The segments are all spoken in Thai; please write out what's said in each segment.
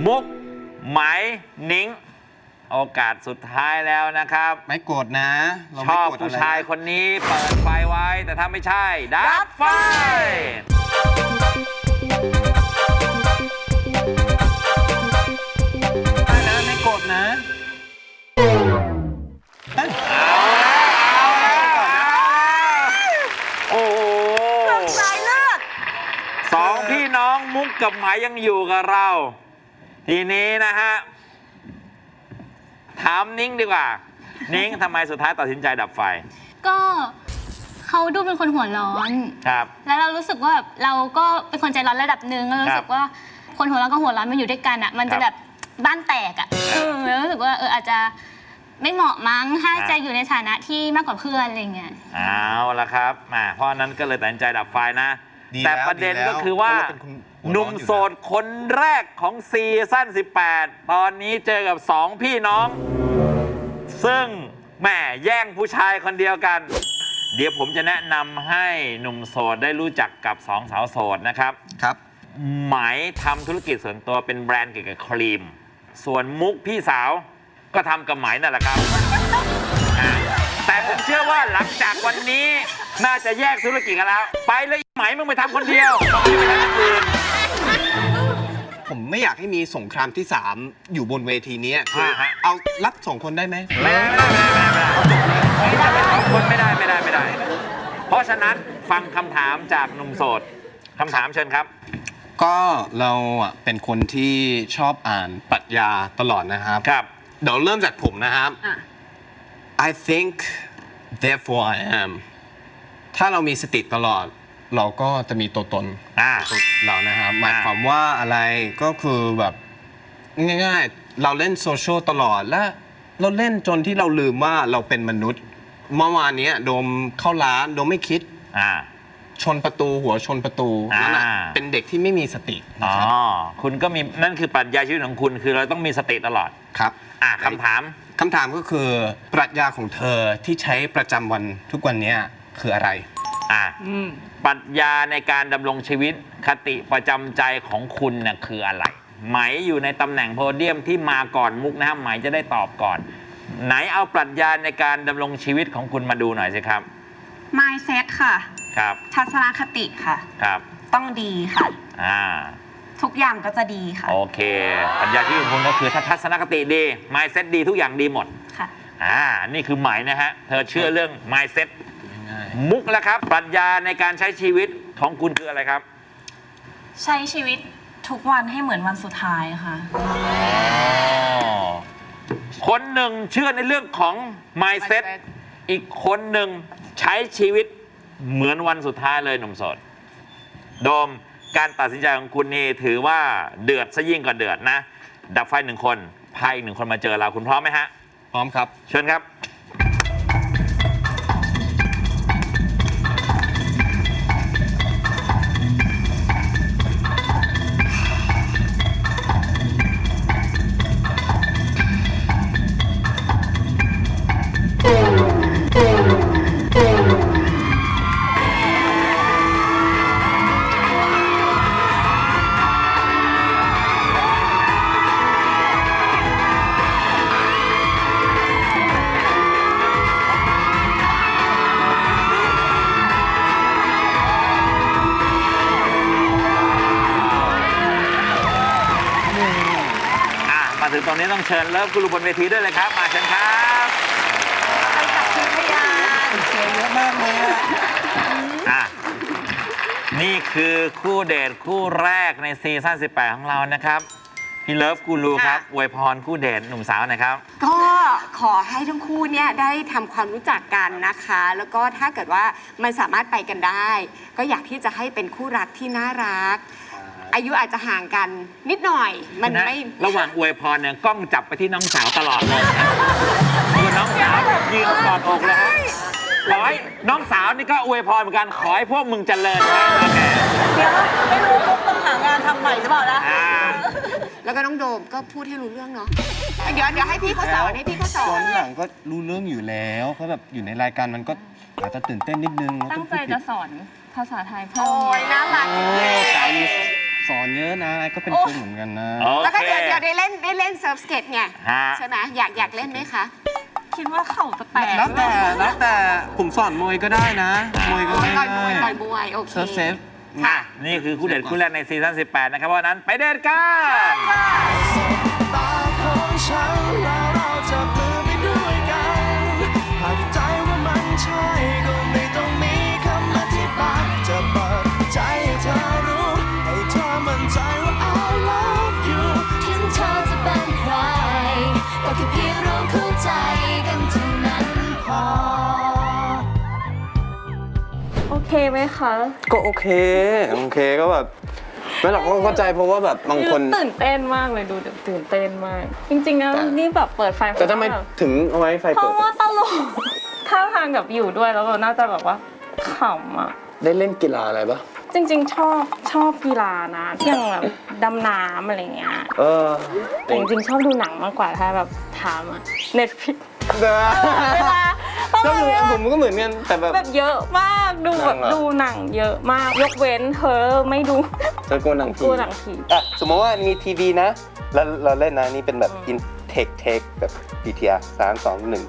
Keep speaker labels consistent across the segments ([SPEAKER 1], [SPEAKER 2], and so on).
[SPEAKER 1] มุกไหมนิ้งโอกาสสุดท้ายแล้วนะครับ
[SPEAKER 2] ไม่โกรธนะ
[SPEAKER 1] ชอบผู้ชายคนนี้เปิดไฟไว้แต่ถ้าไม่ใช่ดับไฟ
[SPEAKER 2] ไม่โกรธนะ
[SPEAKER 1] เอาโอ้โห
[SPEAKER 3] สายเลือด
[SPEAKER 1] สองพี่น้องมุกกับไหมยังอยู่กับเราทีนี้นะฮะถามนิ้งดีกว่านิ้งทำไมสุดท้ายตัดสินใจดับไฟ
[SPEAKER 4] ก็เขาดูเป็นคนหัวร้อน
[SPEAKER 1] ครับ
[SPEAKER 4] แล้วเรารู้สึกว่าแบบเราก็เป็นคนใจร้อนระดับหนึ่งเรารู้สึกว่าคนหัวร้อนกับหัวร้อนมันอยู่ด้วยกันอ่ะมันจะแบบบ้านแตกอ่ะแล้วรู้สึกว่าอาจจะไม่เหมาะมั้งถ้าจะอยู่ในฐานะที่มากกว่าเพื่อนอะไรเงี้ย
[SPEAKER 1] เอาละครับเพราะนั้นก็เลยตัดสินใจดับไฟนะแต่ประเด็นก็คือว่าหนุ่มโสดคนแรกของซีซั่น18ตอนนี้เจอกับ2พี่น้องซึ่งแม่แย่งผู้ชายคนเดียวกันเดี๋ยวผมจะแนะนำให้หนุ่มโสดได้รู้จักกับ2สาวโสดนะครับ
[SPEAKER 2] ครับ
[SPEAKER 1] ไหมทำธุรกิจส่วนตัวเป็นแบรนด์เกี่ยวกับครีมส่วนมุกพี่สาวก็ทำกับไหมนั่นแหละครับแต่ผมเชื่อว่าหลังจากวันนี้น่าจะแยกธุรกิจกันแล้วไปเลยไหมมึงไปทำคนเดียวไม่ไปทำคนอื่น
[SPEAKER 2] ผมไม่อยากให้มีสงครามที่3อยู่บนเวทีนี้คือเอารัด2คนได้ไหม
[SPEAKER 1] ไม่ได้2คนไม่ได้เพราะฉะนั้นฟังคำถามจากหนุ่มโสดคำถามเชิญครับ
[SPEAKER 2] ก็เราเป็นคนที่ชอบอ่านปรัชญาตลอดนะครับ
[SPEAKER 1] ครับ
[SPEAKER 2] เดี๋ยวเริ่มจากผมนะครับ I think therefore I am ถ้าเรามีสติตลอดเราก็จะมีตัวตนเรานะครับหมายความว่าอะไรก็คือแบบง่ายๆเราเล่นโซเชียลตลอดและเราเล่นจนที่เราลืมว่าเราเป็นมนุษย์เมื่อวานนี้โดมเข้าร้านโดมไม่คิดชนประตูหัวชนประตูนั่นเป็นเด็กที่ไม่มีสติ
[SPEAKER 1] นะครับคุณก็มีนั่นคือปรัชญาชีวิตของคุณคือเราต้องมีสติตลอด
[SPEAKER 2] ครับ
[SPEAKER 1] คำถาม
[SPEAKER 2] ก็คือปรัชญาของเธอที่ใช้ประจำวันทุกวันนี้คืออะไร
[SPEAKER 1] ปรัชญาในการดำรงชีวิตคติประจำใจของคุณน่ะคืออะไรไหมอยู่ในตำแหน่งโพเดียมที่มาก่อนมุกนะครับไหมจะได้ตอบก่อนไหนเอาปรัชญาในการดำรงชีวิตของคุณมาดูหน่อยสิครับ
[SPEAKER 3] mindset ค่ะ
[SPEAKER 1] ครับ
[SPEAKER 3] ทัศนคติค่ะ
[SPEAKER 1] ครับ
[SPEAKER 3] ต้องดีค่ะทุกอย่างก็จะดีค่ะ
[SPEAKER 1] โอเคปรัชญาชีวิตของคุณก็คือถ้าทัศนคติดี mindset ดีทุกอย่างดีหมด
[SPEAKER 3] ค่ะ
[SPEAKER 1] นี่คือไหมนะฮะเธอเชื่อเรื่อง mindsetมุกแล้วครับปรัชญาในการใช้ชีวิตของคุณคืออะไรครับ
[SPEAKER 3] ใช้ชีวิตทุกวันให้เหมือนวันสุดท้ายค่ะ
[SPEAKER 1] คนหนึ่งเชื่อในเรื่องของ mindset อีกคนหนึ่งใช้ชีวิตเหมือนวันสุดท้ายเลยหนุ่มโสดโดมการตัดสินใจของคุณนี่ถือว่าเดือดซะยิ่งกว่าเดือดนะดับไฟ1คนพาอีก1คนมาเจอเราคุณพร้อมไหมฮะ
[SPEAKER 2] พร้อมครับ
[SPEAKER 1] เชิญครับมาถึงตรงนี้ต้องเชิญเลิฟกูรูบนเวทีด้วยเลยครับมาเชิญครับ
[SPEAKER 3] ไปกับคุณพยาน
[SPEAKER 2] เชียร์เยอะมากเลย
[SPEAKER 1] นี่คือคู่เดทคู่แรกในซีซั่น18ของเรานะครับพี่เลิฟกูรูครับอวยพรคู่เดทหนุ่มสาวหน่อยครับ
[SPEAKER 3] ก็ขอให้ทั้งคู่เนี่ยได้ทำความรู้จักกันนะคะแล้วก็ถ้าเกิดว่ามันสามารถไปกันได้ก็อยากที่จะให้เป็นคู่รักที่น่ารักอายุอาจจะห่างกันนิดหน่อยมันไม่
[SPEAKER 1] ระหว่างอวยพรเนี่ยกล้องจับไปที่น้องสาวตลอดเลยคือน้องสาวยืนกอดอกเลยขอให้น้องสาวนี่ก็อวยพรเหมือนกันขอให้พวกมึงเจริญไว้
[SPEAKER 3] เดี๋ยวไม่รู้ต้องหางานทำใหม่หรือเปล่านะแล้วก็น้องโดมก็พูดให้รู้เรื่องเนาะเดี๋ยวให้พี่เขาสอน
[SPEAKER 2] หลังก็รู้เรื่องอยู่แล้วเขาแบบอยู่ในรายการมันก็อาจจะตื่นเต้นนิดนึง
[SPEAKER 4] ตั้งใจจะสอนภาษาไทยเพิ่ม
[SPEAKER 3] โอ้ยน่ารักจริง
[SPEAKER 2] สอนเยอะนะก็เป็นกุ้งเหมือนกันนะ
[SPEAKER 1] โอ
[SPEAKER 3] แล้วก็
[SPEAKER 1] เค
[SPEAKER 3] เดี๋ยวได้เล่นเซิร์ฟสเก็ตไง
[SPEAKER 1] ฮะ
[SPEAKER 3] ใช่ไหมอยากเล่นไหมคะ
[SPEAKER 4] คิดว่าเข่าจะแตก
[SPEAKER 2] แล้วแต่ผมสอนมวยก็ได้นะ มวยก็ได้
[SPEAKER 3] ต่อยมวยโอเค
[SPEAKER 2] เซิร์ฟเซฟ
[SPEAKER 3] ค่ะ
[SPEAKER 1] นี่คือคู่เด็ดคู่แรกในซีซั่น 18 นะครับ เพราะฉะนั้นไปเดทกัน
[SPEAKER 5] ตาของฉันแล้วเราจะมือไปด้วยกันหากใจว่ามันใช่ก็ไม่ต้องมีคำอธิบายจะเปิดใจให้เธอรู้ให้เธอมั่นใจว่า I love you
[SPEAKER 6] ถึงเธอจะเป็นใคร ก็แค่เพียงเราเข้าใจกันเท่านั้นพอ
[SPEAKER 7] โอเคไหมคะ
[SPEAKER 2] ก็โอเคก็แบบไม่หรอกก็เข้าใจเพราะว่าแบบบางคน
[SPEAKER 7] ตื่นเต้นมากเลยดูตื่นเต้นมาก จริงๆนะ
[SPEAKER 2] แต่
[SPEAKER 7] นี่แบบเปิดไฟ
[SPEAKER 2] แต่ทำไมถึงเอาไว้ไฟ
[SPEAKER 7] เพ
[SPEAKER 2] เปิด
[SPEAKER 7] ราะว่าตลกท่าทางกับอยู่ด้วยแล้วแบบน่าจะแบบว่าขำอ่ะ
[SPEAKER 2] ได้เล่นกีฬาอะไรปะ
[SPEAKER 7] จริงๆชอบกีฬานะอย่างแบบดำน้ำอะไรเงี้ย
[SPEAKER 2] แต่
[SPEAKER 7] จริงๆชอบดูหนังมากกว่าถ้าแบบถามอะ Netflix เวลา
[SPEAKER 2] ก็เหมือนผมก็เหมือนกันแต่แบบ
[SPEAKER 7] แบบเยอะมากดูแบบ
[SPEAKER 2] หนังเหรอ
[SPEAKER 7] ดูหนังเยอะมากยกเว้นเธอไม่ดู
[SPEAKER 2] เธอกลัวหนังผี
[SPEAKER 7] กลัวหนังผี
[SPEAKER 2] อ่ะสมมติว่ามีทีวีนะแล้วเราเล่นนะนี่เป็นแบบ in take แบบ BTR 3 2 1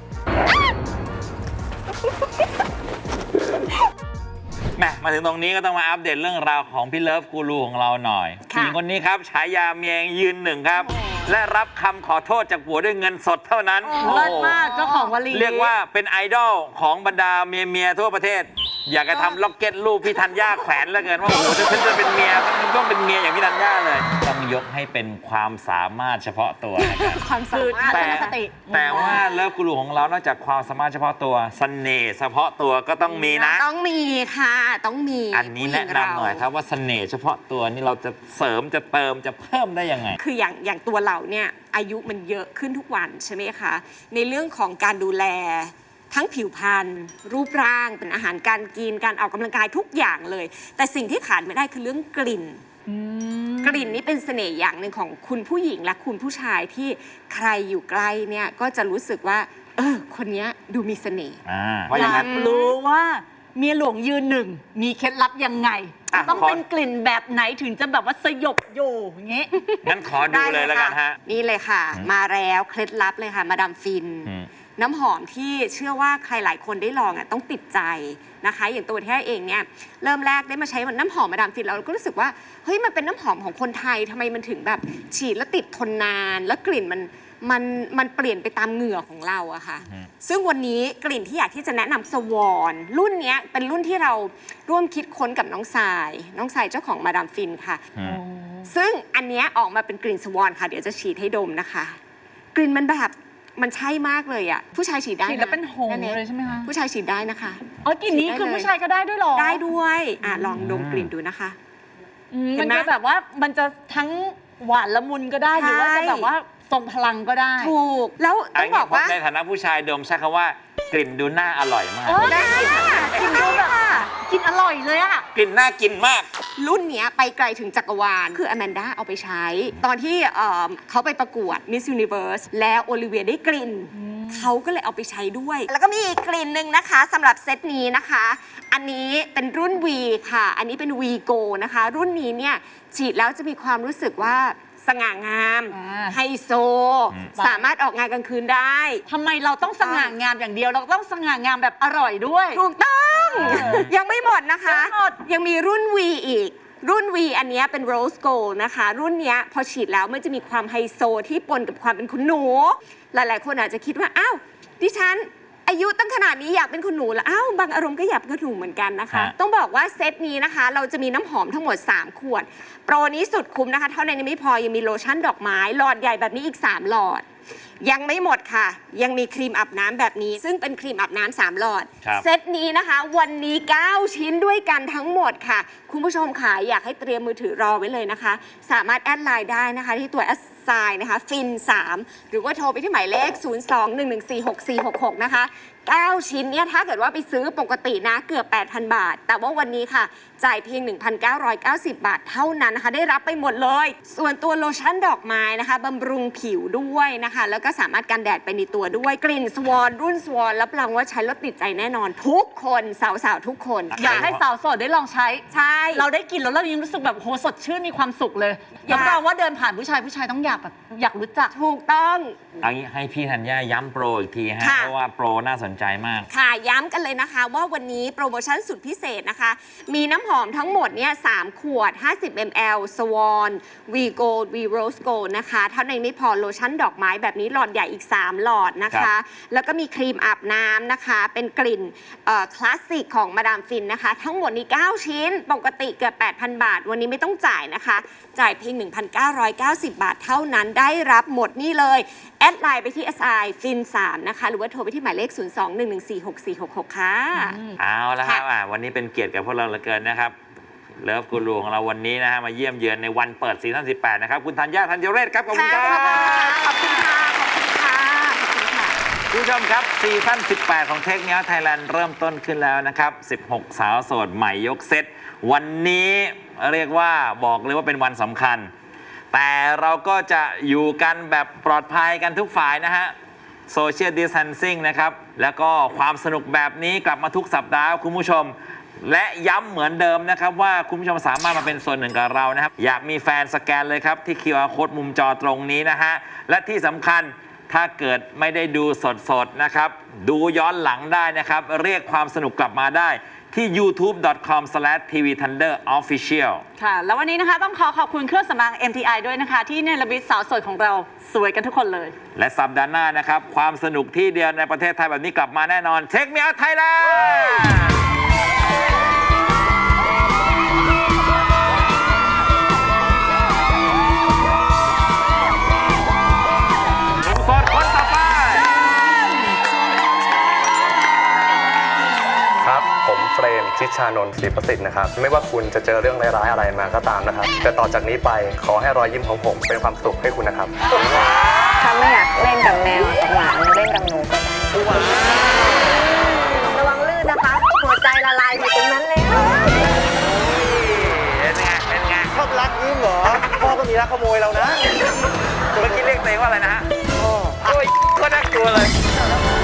[SPEAKER 1] แหมมาถึงตรงนี้ก็ต้องมาอัปเดตเรื่องราวของพี่เลิฟกูรูของเราหน่อยผู้หญิงคนนี้ครับฉายาเมียยืนหนึ่งครับ และรับคำขอโทษจากผัวด้วยเงินสดเท่านั้น
[SPEAKER 3] เลิศมากเจ้าของวลี
[SPEAKER 1] เรียกว่าเป็นไอดอลของบรรดาเมียทั่วประเทศ อยากจะทำล็อกเก็ตรูปพี่ธัญญาแขวนแล้วเกินว่าโอ้โหถ้าฉันจะเป็นเมียต้องเป็นเมียอย่างพี่ธัญญาเลย ต้องยกให้เป็นความสามารถเฉพาะตัวนะครับ
[SPEAKER 3] ความสามารถ
[SPEAKER 1] แต่ว่าเลิฟกูรูของเรานอกจากความสามารถเฉพาะตัวเสน่ห์เฉพาะตัวก็ต้องมีนะ
[SPEAKER 3] ต้องมีค่ะต้องมี
[SPEAKER 1] อันนี้แนะนำหน่อยครับว่าเสน่ห์เฉพาะตัวนี่เราจะเสริมจะเติมจะเพิ่มได้ยังไง
[SPEAKER 3] คืออย่างตัวเราเนี่ยอายุมันเยอะขึ้นทุกวันใช่ไหมคะในเรื่องของการดูแลทั้งผิวพรรณรูปร่างเป็นอาหารการกินการออกกำลังกายทุกอย่างเลย แต่สิ่งที่ขาดไม่ได้คือเรื่องกลิ่นกลิ่นนี่เป็นเสน่ห์อย่างหนึ่งของคุณผู้หญิงและคุณผู้ชายที่ใครอยู่ใกล้เนี่ยก็จะรู้สึกว่าคนนี้ดูมีเสน่ห์
[SPEAKER 1] ว่าอย่างนั้น
[SPEAKER 8] รู้ว่าเมียหลวงยืนหนึ่งมีเคล็ดลับยังไง
[SPEAKER 1] อ่ะ
[SPEAKER 8] ต้อง
[SPEAKER 1] ขอ
[SPEAKER 8] เป็นกลิ่นแบบไหนถึงจะแบบว่าสยบโยอย่างเงี้ย
[SPEAKER 1] งั้นขอดูเลยแล้วกันฮะ
[SPEAKER 3] นี่เลยค่ะ มาแล้วเคล็ดลับเลยค่ะมาดามฟิน น้ำหอมที่เชื่อว่าใครหลายคนได้ลองอ่ะต้องติดใจนะคะ อย่างตัวแท้เองเนี่ยเริ่มแรกได้มาใช้น้ำหอมมาดามฟินเราก็รู้สึกว่าเฮ้ยมันเป็นน้ำหอมของคนไทยทำไมมันถึงแบบฉีดแล้วติดทนนาน แล้วกลิ่นมันเปลี่ยนไปตามเหงื่อของเราอะค่ะ ซึ่งวันนี้กลิ่นที่อยากที่จะแนะนำสวอนรุ่นนี้เป็นรุ่นที่เราร่วมคิดค้นกับน้องทรายเจ้าของมาดามฟินค่ะ ซึ่งอันเนี้ยออกมาเป็นกลิ่นสวอนค่ะเดี๋ยวจะฉีดให้ดมนะคะ กลิ่นมันแบบมันใช่มากเลยอ่ะผู้ชายฉีดได้
[SPEAKER 8] ฉีดแล้วเป็นหงส์เลยใช่ไหมคะ
[SPEAKER 3] ผู้ชายฉีดได้นะคะ
[SPEAKER 8] อ๋อกลิ่นนี้คือผู้ชายก็ได้ด้วยเหรอ
[SPEAKER 3] ได้ด้วยลองดมกลิ่นดูนะคะ เห็
[SPEAKER 8] มัน น
[SPEAKER 3] ไหม
[SPEAKER 8] จะแบบว่ามันจะทั้งหวานละมุนก็ได้หรือว่าจะแบบว่าทรงพลังก็ได้
[SPEAKER 3] ถูกแล้วต้องบอกว่า
[SPEAKER 1] ในฐานะผู้ชายดมใช้คำว่ากลิ่นดูน่าอร่อยมาก
[SPEAKER 3] ได้ค่ะกินดูค่ะ
[SPEAKER 8] กินอร่อยเลยอะ
[SPEAKER 1] กลิ่นน่ากินมาก
[SPEAKER 3] รุ่นเนี้ยไปไกลถึงจักรวาล คืออแมนด้าเอาไปใช้ ตอนที่เขาไปประกวด Miss Universe แล้วโอลิเวียได้กลิ่น เขาก็เลยเอาไปใช้ด้วย แล้วก็มีอีกกลิ่นหนึ่งนะคะสำหรับเซตนี้นะคะ อันนี้เป็นรุ่น V ค่ะ อันนี้เป็น V Go นะคะ รุ่นนี้เนี่ยฉีดแล้วจะมีความรู้สึกว่าสง่างามไฮโซ สามารถออกงานกลางคืนได้
[SPEAKER 8] ทำไมเราต้องสง่างามอย่างเดียวเราต้องสง่างามแบบอร่อยด้วย
[SPEAKER 3] ถูกต้อง ยังไม่หมดนะคะ ยังมีรุ่น V อีก รุ่น V อันเนี้ยเป็น Rose Gold นะคะ รุ่นเนี้ยพอฉีดแล้วมันจะมีความไฮโซที่ปนกับความเป็นคุณหนู หลายๆ คนอาจจะคิดว่า อ้าว ดิฉันอายุตั้งขนาดนี้อยากเป็นคุณหนูแล้ว อ้าว บางอารมณ์ก็อยากเป็นคุณหนูเหมือนกันนะคะ ต้องบอกว่าเซตนี้นะคะ เราจะมีน้ำหอมทั้งหมด 3 ขวด โปรนี้สุดคุ้มนะคะ เท่านั้นยังไม่พอ ยังมีโลชั่นดอกไม้ หลอดใหญ่แบบนี้อีก 3 หลอด ยังไม่หมดค่ะ ยังมีครีมอาบน้ำแบบนี้ ซึ่งเป็นครีมอาบน้ำ3 หลอด เซตนี้นะคะ วันนี้ 9 ชิ้นด้วยกันทั้งหมดค่ะ คุณผู้ชมค่ะอยากให้เตรียมมือถือรอไว้เลยนะคะ สามารถแอดไลน์ได้นะคะ ที่ตัวแอดไซน์นะคะฟิน3หรือว่าโทรไปที่หมายเลข 021146466 นะคะ 9 ชิ้นเนี่ยถ้าเกิดว่าไปซื้อปกตินะเกือบ 8,000 บาท แต่ว่าวันนี้ค่ะจ่ายเพียง 1,990 บาทเท่านั้นนะคะได้รับไปหมดเลย ส่วนตัวโลชั่นดอกไม้นะคะบำรุงผิวด้วยนะคะแล้วก็สามารถกันแดดไปในตัวด้วยกลิ่นสวอนรุ่นสวอนรับรองว่าใช้แล้วติดใจแน่นอนทุกคนสาวๆทุกคน
[SPEAKER 8] อยากให้สาวโสดได้ลองใช้
[SPEAKER 3] ใช่
[SPEAKER 8] เราได้กินแล้วเรายังรู้สึกแบบโหสดชื่นมีความสุขเลยรับรองว่าเดินผ่านผู้ชายต้องอยากแบบอยากรู้จัก
[SPEAKER 3] ถูกต้อง
[SPEAKER 1] เอางี้ให้พี่ธัญญาย้ำโปรอีกทีฮะ
[SPEAKER 3] ค่ะ
[SPEAKER 1] เพราะว่าโปรน่าสนใจมาก
[SPEAKER 3] ค่ะย้ำกันเลยนะคะว่าวันนี้โปรโมชั่นสุดพิเศษนะคะ มีน้ำหอมทั้งหมดเนี่ย3ขวด 50 ml Swan V Gold V Rose Gold นะคะเท่านั้นไม่พอโลชั่นดอกไม้แบบนี้หลอดใหญ่อีก 3 หลอดนะ
[SPEAKER 1] ครั
[SPEAKER 3] คะ
[SPEAKER 1] บ
[SPEAKER 3] แล้วก็มีครีมอาบน้ำนะคะ เป็นกลิ่นคลาสสิกของมาดามฟินนะคะ ทั้งหมดนี้ 9 ชิ้น ปกติเกือบ 8,000 บาท วันนี้ไม่ต้องจ่ายนะคะ จ่ายเพียง 1,990 บาทเท่านั้นได้รับหมดนี่เลย แอดไลน์ไปที่ SI Fin 3นะคะ หรือว่าโทรไปที่หมายเลข 02-114-6466 ค่ะ
[SPEAKER 1] เอาละครับ
[SPEAKER 3] ค่ะ
[SPEAKER 1] วันนี้เป็นเกียรติกับพวกเราเหลือเกินนะครับเลิฟกูรูของเราวันนี้นะฮะมาเยี่ยมเยือนในวันเปิดซีซั่น18 นะครับ คุณธัญญา ธัญเรศครับ ขอบคุณครับ
[SPEAKER 3] ขอบคุณค่ะ ขอบคุณค่ะ ขอบคุณค่ะ
[SPEAKER 1] คุณผู้ชมครับซีซั่น18 ของเทคเนียไทยแลนด์เริ่มต้นขึ้นแล้วนะครับ 16 สาวโสดใหม่ยกเซตวันนี้เรียกว่าบอกเลยว่าเป็นวันสำคัญ แต่เราก็จะอยู่กันแบบปลอดภัยกันทุกฝ่ายนะฮะโซเชียลดิส a ทนซิ่งนะครับแล้วก็ความสนุกแบบนี้กลับมาทุกสัปดาห์คุณผู้ชม และย้ำเหมือนเดิมนะครับว่าคุณผู้ชมสามารถมาเป็นส่วนหนึ่งกับเรานะครับอยากมีแฟนสแกนเลยครับที่ QR Code มุมจอตรงนี้นะฮะและที่สำคัญถ้าเกิดไม่ได้ดูสดๆนะครับดูย้อนหลังได้นะครับเรียกความสนุกกลับมาได้ที่ youtube.com/tvthunderofficial
[SPEAKER 8] ค่ะ แล้ววันนี้นะคะต้องขอบคุณเครื่องสำอาง MTI ด้วยนะคะ ที่เนรมิตสาวสวยของเราสวยกันทุกคนเลย
[SPEAKER 1] และสัปดาห์หน้านะครับความสนุกที่เดียวในประเทศไทยแบบนี้กลับมาแน่นอน Take Me Out Thailandหนุ่มโสดคนต่อไป
[SPEAKER 9] ครับ ผมเฟรมชิชานนท์ศรีประสิทธิ์นะครับ ไม่ว่าคุณจะเจอเรื่องร้ายๆอะไรมาก็ตามนะครับ แต่ต่อจากนี้ไปขอให้รอยยิ้มของผมเป็นความสุขให้คุณนะครับ
[SPEAKER 7] ถ้าไม่อยากเล่นกับแมวกับหมาเล่นกับหนูก็ได้
[SPEAKER 3] ระวังลื่นนะคะ หัวใจละลายอยู่ตรงนั้นแล้ว
[SPEAKER 1] เป็นไง เป็นไง
[SPEAKER 2] ชอบรักยิ้มเหรอ พ่อก็มีรักขโมยเรานะ
[SPEAKER 1] เมื่อกี้เรียกตัวเองว่าอะไรนะฮะโอ้ยก็น่ากลัวเลย